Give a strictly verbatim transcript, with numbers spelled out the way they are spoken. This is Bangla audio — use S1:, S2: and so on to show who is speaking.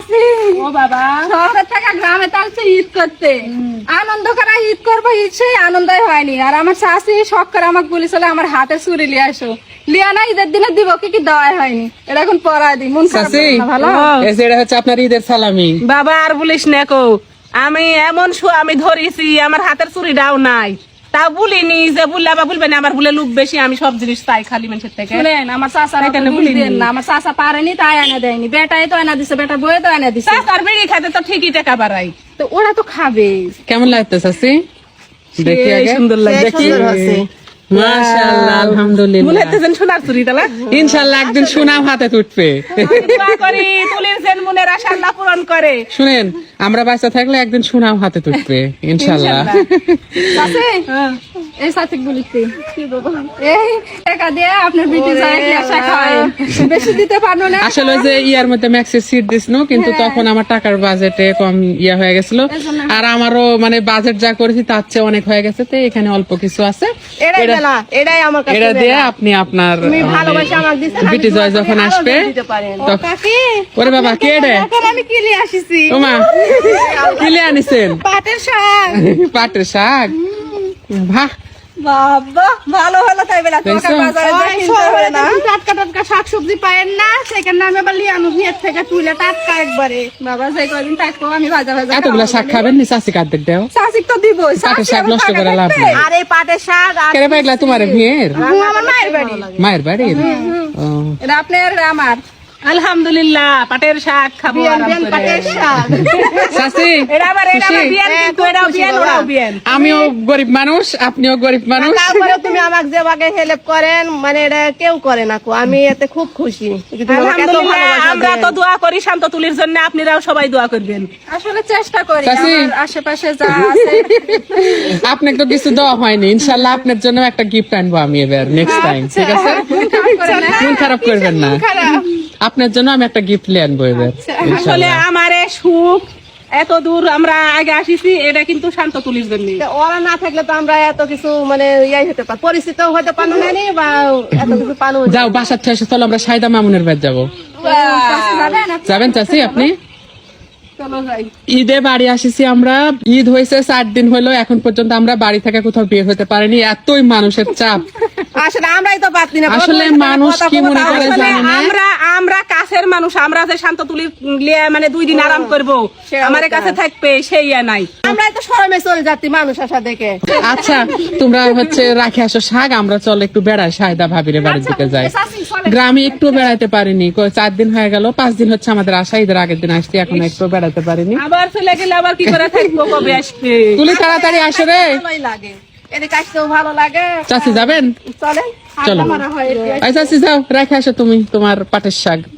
S1: ও বাবা
S2: শহরের থেকে গ্রামে তালছে ঈদ করতে, আনন্দ করা ঈদ করবো, ঈদ সেই আনন্দই হয়নি। আর আমার শাশি শখ করে আমাকে বলেছিল আমার হাতে চুরি লিয়ে আসো, লিয়া না ঈদের দিনে দিব, কি কি দেওয়া হয়নি, এটা এখন পরাই দিই। মন খারাপ করে না, ভালো
S3: এটা হচ্ছে আপনার ঈদের সালামি।
S1: বাবা আর বলিস না কো, আমি এমন আমি ধরেছি আমার হাতের চুরিটাও নাই, তা বলিনি যে বললে আবার বলবেন আমার বলে লোক বেশি, আমি সব জিনিস তাই খালি মানুষের থেকে।
S2: শুনেন আমার চাষা না, আমার চাষা পারেনি তাই এনে দেয়নি, বেটাই তো এনে দিছে, বেটা বয়ে তো এনে দিছে।
S1: আর বেড়ি খাতে তো ঠিকই টাকা বাড়াই,
S2: তো ওরা তো খাবে।
S3: কেমন লাগতো চাচি? দেখি আগে
S1: সুন্দর লাগে,
S3: দেখি। মাশাআল্লাহ, আলহামদুলিল্লাহ।
S1: মনে হচ্ছে সোনার চুরি তালা।
S3: ইনশাআল্লাহ একদিন সুনাম হাতে তুটবে।
S1: দোয়া করি তুলির যেন মনের আশা আল্লাহ পূরণ করে।
S3: শুনেন, আমরা বাচ্চা থাকলে একদিন সুনাম হাতে তুটবে ইনশাআল্লাহ।
S2: চাচি এই সাথে বলিছি এই টাকা দিয়ে আপনার বিটি যায় কি আশা খায়, বেশি দিতে পারলো না।
S3: আসলে যে ইয়ার মধ্যে ম্যাক্সের সিট দিছিল, কিন্তু তখন আমার টাকার বাজেটে কম ইয়া হয়ে গেছিল, আর আমারও মানে বাজেট যা করেছি তার চেয়ে অনেক হয়ে গেছে, তো এখানে অল্প কিছু আছে।
S1: এটাই বেলা, এটাই আমার কাছে
S3: এটা দিয়ে আপনি আপনার
S1: ভালোবাসা আমাকে দিছেন,
S3: বিটি জয় যখন আসবে তখন। ওরে বাবা কে রে?
S2: আমি কি নিয়ে আসিছি?
S3: ওমা কি লিয়ে আনিছেন?
S2: পাটের শাক।
S3: পাটের শাক, বাহ
S2: বাবা ভালো হলো তাই বেলা,
S3: দেখছো?
S2: তোমাকে বাজারে যা কিনতে হবে না, টাটকা টাটকা শাকসবজি পায়েন না, সেখানে আমি আবার লিয়ে আনো ভিয়ের থেকে তুলে টাটকা একবারে। বাবা যে কয়দিন থাকবো আমি ভাজা ভাজা
S3: এতগুলা শাক খাবেন নি? চাষি কার্ডের দেও
S2: শাসিক তো দিবই,
S3: পাটের শাক নষ্ট করে লাভ নেই।
S1: আর এই পাটের শাক আর
S3: কেরে পাইলা তোমার ভিয়ের?
S2: আমার মায়ের বাড়ি।
S3: মায়ের বাড়ির? ও,
S2: এটা আপনার আমার
S1: আলহামদুলিল্লাহ পাটের শাক খাবো আরাম করে।
S2: পাটের শাক।
S3: চাচি
S1: এটা আবার এটা আবার বিয়ান, কিন্তু এটাও বিয়ান ওরাও বিয়ান।
S3: আমিও গরিব মানুষ, আপনিও গরিব মানুষ।
S4: তারপরে তুমি আমাকে যেভাবে হেল্প করেন, মানে এটা কেউ করে না কো, আমি এতে খুব খুশি।
S1: আলহামদুলিল্লাহ, আমরা তো দোয়া করি শান্ত তুলির জন্য, আপনারাও সবাই দোয়া করবেন।
S2: আসলে চেষ্টা করি
S3: চাচি।
S2: আমার আশেপাশে যা আছে।
S3: আপনাকে তো কিছু দেওয়া হয়নি, ইনশাল্লাহ আপনার জন্য একটা গিফট আনবো আমি এবার নেক্সট টাইম, ঠিক আছে? মন খারাপ করবেন না, আপনার জন্য আমি একটা গিফট নিয়ে আনবো এবার
S1: আসলে
S3: ইনশাল্লাহ।
S1: আমার এই সুখ এত দূর আমরা আগে আসিছি, এটা কিন্তু শান্ত তুলির জন্য।
S4: তা ওরা না থাকলে তো আমরা এত কিছু মানে ইয়াই হতে পার, পরিচিত হতে পারো না নি, বা এত কিছু পানো।
S3: যাও বাসার থেকে এসে চলো আমরা সাইদা মামুনের বাড়ি যাবো। যাবেন চাচি আপনি?
S2: চলো যাই।
S3: ঈদে বাড়ি আসিছি আমরা, ঈদ হয়েছে চার দিন হলো, এখন পর্যন্ত আমরা বাড়ি থেকে কোথাও বের হতে পারিনি, এতই মানুষের চাপ।
S4: আসলে আমরাই তো পারছি না।
S3: আসলে মানুষ কি মনে করে
S1: আসলে
S3: জানি না।
S1: আমরা আমরা কাছের মানুষ, আমরা যে শান্ত তুলি লিয়ে মানে দুই দিন আরাম করবো, আমার কাছে থাকবে সেই ইয়া নাই।
S4: আমরাই তো শরমে চলে যাচ্ছি মানুষ আসা দেখে।
S3: আচ্ছা তোমরা হচ্ছে রাখে আসো শাক, আমরা চল একটু বেড়াই, সাইদা ভাবিরে বাড়ির দিকে যাই। গ্রামে একটু বেড়াইতে পারিনি, কয় চার দিন হয়ে গেল, পাঁচ দিন হচ্ছে আমাদের আসা, ঈদের আগের দিন আসছি, এখন একটু বেড়াতে পারিনি।
S1: আবার চলে গেলে আবার কি করে থাকবো, কবে আসবে?
S3: তুলি তাড়াতাড়ি আসো রে।
S4: ভালোই লাগে, এদিকে আসতেও ভালো লাগে।
S3: চাচি যাবেন?
S4: চলে
S3: চলো।
S2: মারা হয়
S3: আই চাচি যাও, রেখে আসো তুমি তোমার পাটের শাক।